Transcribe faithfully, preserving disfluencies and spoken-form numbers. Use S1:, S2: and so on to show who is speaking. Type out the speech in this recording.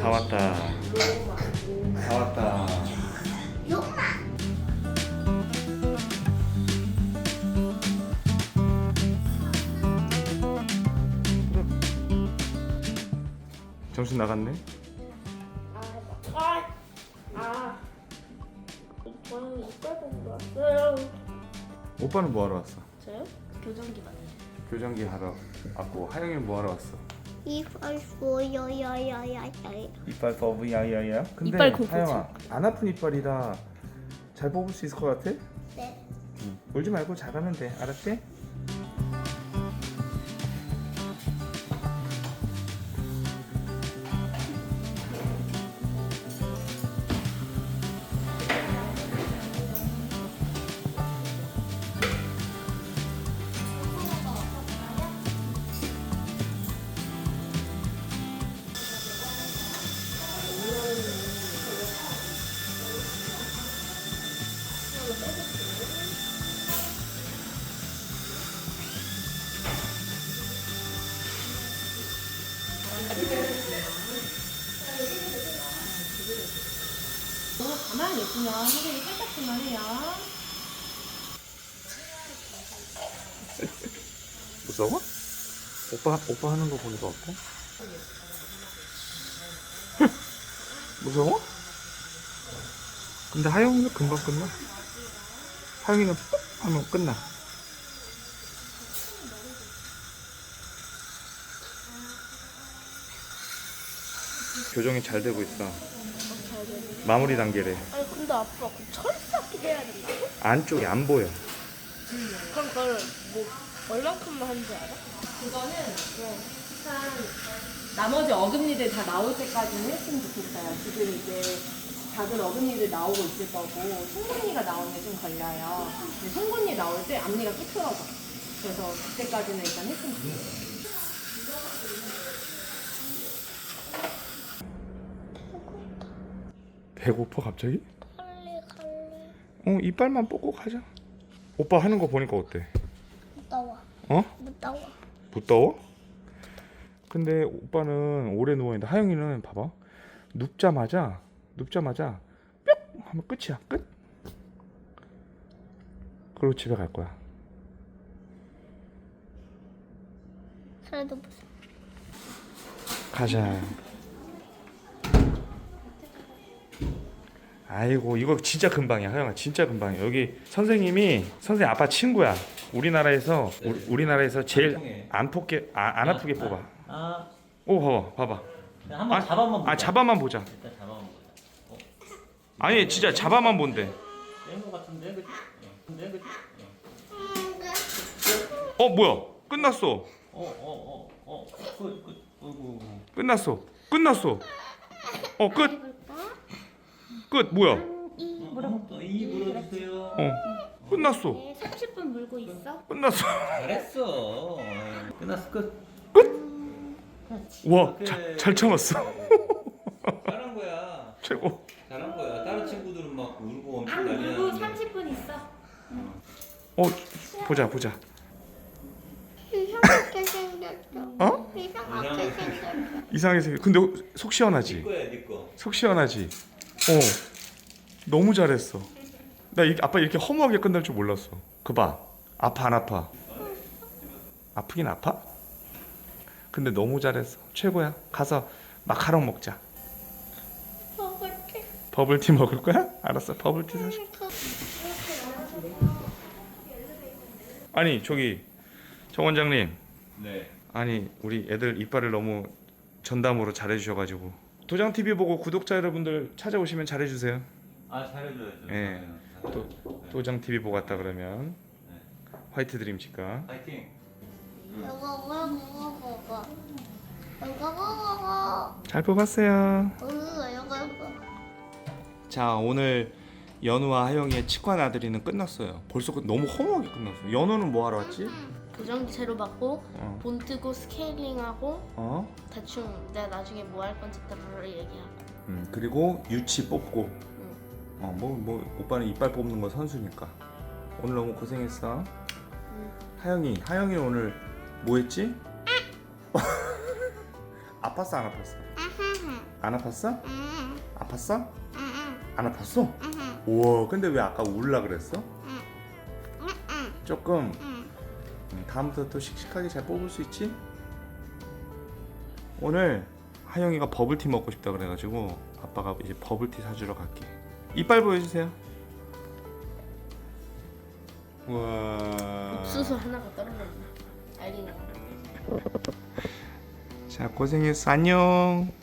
S1: 다 왔다. 다 왔다. 정신 나갔네.
S2: 아, 아, 저는 이빨 보고 왔어요.
S1: 오빠는 뭐 하러 왔어?
S2: 저요? 교정기 맞아요.
S1: 교정기 하러 왔고, 하영이는 뭐 하러 왔어?
S3: 이빨 보여야야야야.
S1: 이빨 뽑으 야야야. 근데
S2: 이빨 공포증.
S1: 하영아, 안 아픈 이빨이라 잘 뽑을 수 있을 것 같아?
S3: 네.
S1: 응. 울지 말고 잘하면 돼. 알았지?
S2: 가만히 있으면 선생님이 살짝만 해요.
S1: 무서워? 오빠 오빠 하는 거 보니까 어때? 무서워? 근데 하영이는 금방 끝나. 하영이는 ปุ๊ 하면 끝나. 교정이 잘 되고 있어. 마무리 단계래.
S2: 아니 근데 아빠 그 철사기 해야 된다고?
S1: 안쪽이 안 보여.
S2: 그럼 그걸 뭐 얼만큼만 하는지 알아?
S4: 그거는 한 나머지 어금니들 다 나올 때까지는 했으면 좋겠어요. 지금 이제 작은 어금니들 나오고 있을 거고 송곳니가 나오면 좀 걸려요. 근데 송곳니 나올 때 앞니가 삐뚤어져. 그래서 그때까지는 일단 했으면 좋겠어요.
S1: 배고파 갑자기?
S3: 갈래 갈래.
S1: 어 이빨만 뽑고 가자. 오빠 하는 거 보니까 어때?
S3: 무더워.
S1: 어?
S3: 무더워.
S1: 무더워? 근데 오빠는 오래 누워있는데 하영이는 봐봐. 눕자마자 눕자마자 뿅 하면 끝이야. 끝. 그리고 집에 갈 거야.
S3: 그래도 무슨
S1: 가자. 아이고 이거 진짜 금방이야. 하영아 진짜 금방이야. 여기 선생님이 선생님 아빠 친구야. 우리나라에서 우, 우리나라에서 제일 안 뽑게 아, 안 아프게 뽑아.
S5: 아,
S1: 오 봐봐 봐봐.
S5: 그냥 한번 잡아만 보자.
S1: 아 잡아만 보자.
S5: 일단 잡아만 보자. 어,
S1: 아니 진짜 잡아만 본대.
S5: 뺀거 같은데, 그치? 근데 그치?
S1: 어 뭐야? 끝났어.
S5: 어, 어, 어, 어, 끝, 끝, 어이구.
S1: 끝났어. 끝났어. 어 끝. 끝 뭐야?
S5: 뭐라고? 이 물어주세요.
S1: 어 끝났어.
S3: 네, 삼십 분 물고 있어?
S1: 끝났어.
S5: 잘했어. 끝났어, 끝.
S1: 와
S5: 오케이.
S1: 잘 잘 참았어.
S5: 잘한 거야.
S1: 최고.
S5: 잘한 거야. 다른 친구들은 막 울고 엄청
S3: 안
S5: 난리
S3: 물고
S5: 나는데.
S3: 삼십 분 있어.
S1: 어 보자 보자.
S3: 이상하게 생겼어.
S1: 어?
S3: 이상하게 생겼어.
S1: 이상하게 생겼. 근데 속
S5: 네
S1: 시원하지.
S5: 거야, 네 거.
S1: 속 시원하지. 어 너무 잘했어. 나 이, 아빠 이렇게 허무하게 끝날 줄 몰랐어. 그 봐. 아파 안 아파? 아프긴 아파? 근데 너무 잘했어. 최고야. 가서 마카롱 먹자.
S3: 먹을게.
S1: 버블티 먹을 거야? 알았어. 버블티 사줄게. 아니 저기 정 원장님.
S5: 네.
S1: 아니 우리 애들 이빨을 너무 전담으로 잘해주셔가지고 도장티비 보고 구독자 여러분들 찾아오시면 잘해주세요.
S5: 아, 잘해줘야죠.
S1: 예. 또 도장티비 보고 왔다 그러면 화이트 드림 치과.
S5: 파이팅.
S3: 이거 이거 이거 이거 이거 이거
S1: 잘 뽑았어요.
S3: 이거 이거 이거.
S1: 자 오늘 연우와 하영이의 치과 나들이는 끝났어요. 벌써 끝- 너무 허무하게 끝났어. 연우는 뭐 하러 왔지?
S2: 교정기 새로 받고
S1: 어.
S2: 본 뜨고 스케일링하고
S1: 어?
S2: 대충 내가 나중에 뭐 할 건지 따로 얘기하고.
S1: 음 그리고 유치 뽑고. 어뭐 뭐 오빠는 이빨 뽑는 거 선수니까. 오늘 너무 고생했어. 하영이 하영이 오늘 뭐 했지? 아팠어 안 아팠어? 안 아팠어?
S3: 응.
S1: 아팠어?
S3: 응.
S1: 안 아팠어?
S3: 응.
S1: 우와, 근데 왜 아까 울라 그랬어?
S3: 응.
S1: 조금.
S3: 응.
S1: 음, 다음부터 또 씩씩하게 잘 뽑을 수 있지? 오늘 하영이가 버블티 먹고 싶다 그래가지고 아빠가 이제 버블티 사주러 갈게. 이빨 보여주세요. 우와.
S2: 옥수수 하나가 떨어졌네. 알리네.
S1: 자, 고생했어. 안녕.